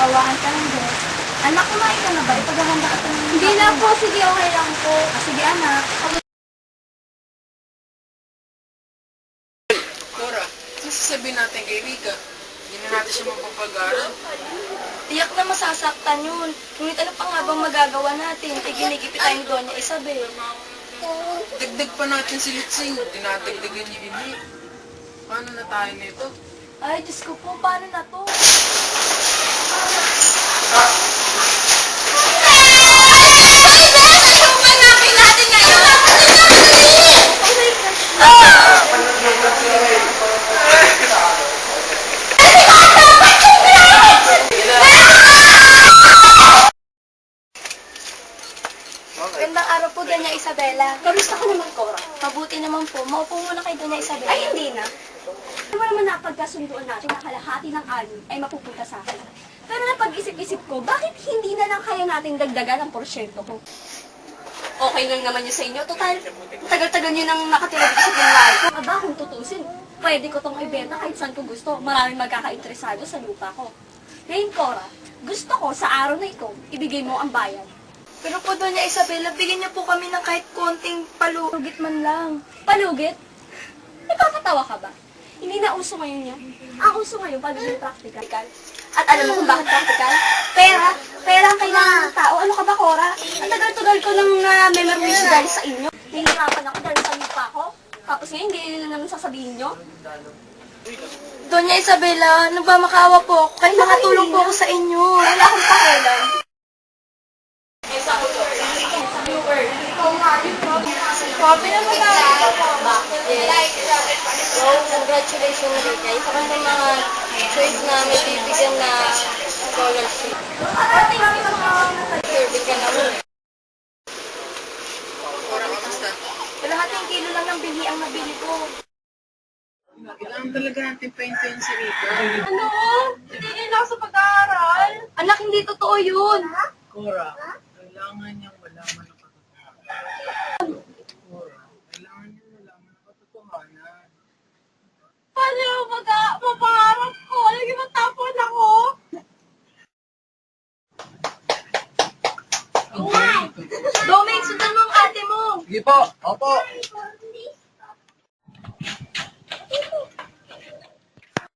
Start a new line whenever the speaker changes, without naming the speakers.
nagsasawaan ka ng Diyos. Anak, kumain ka na ba? Ipaghahanda ka ng...
Hindi na po, sige, okay lang po.
Sige anak.
Cora, ano sasabihin natin kay Rika? Hindi na natin siya mapapag-aral.
Tiyak na masasaktan yun. Ngunit ano pa nga bang magagawa natin? Ginigipit tayo ni Doña Isabel.
Dagdag pa natin si Litsing. Dinadagdagan niya ini. Paano na tayo nito?
Ay, Diyos ko po, paano na to? Gandang araw po, Doña Isabela.
Kamusta ka naman, Cora?
Mabuti naman po. Maupo muna kay Doña Isabela.
Ay, hindi na. Ano ba naman napagkasunduan natin na kalahati ng anin ay mapupunta sa akin? Pero napag-isip-isip ko, bakit hindi na lang kaya natin dagdagan ang porsyento ko? Okay lang naman yun sa inyo. Total, tagal-tagal nyo nang nakatira dito sa pinwari ko. Aba, kung tutusin, pwede ko tong ibenta kahit saan ko gusto. Maraming magkakainteresado sa lupa ko. Ngayon, Cora, gusto ko sa araw na ito, ibigay mo ang bayan.
Pero po, Doña Isabela, bigyan niyo po kami ng kahit konting palugit man lang.
Palugit? Napapatawa ka ba? Hindi na uso ngayon yan. Ang uso ngayon, pagiging practical. At alam mo kung bakit practical? Pera. Pera ang kailangan ng tao. Ano ka ba, Cora? Ang tagal-tagal ko nang memorize dahil sa inyo. Nahihirapan ako dahil sa lupa ko. Tapos ngayon, hindi na naman sasabihin nyo.
Doña Isabela, nagmamakaawa po ako. Kahit nakatulong po ako sa inyo.
Wala akong pakialam.
Copy na ba tayo?
So, congratulations, Rika. Isa ka sa mga choice na may bibigyan na scholarship. Survey ka naman.
Cora, kamusta?
Kalahating kilo lang ng bili ang nabili ko.
Kailangan talaga natin paintayin si Rika.
Ano? Hindi na ako sa pag-aaral. Anak, hindi totoo yun.
Cora, kailangan niyang malaman ang katotohanan. Cora, kailangan niyang malaman ang katotohanan.
Paano yung mapangarap ko? Lagi matapon ako. Doming, sundan mo ang ate mo.
Sige po, opo.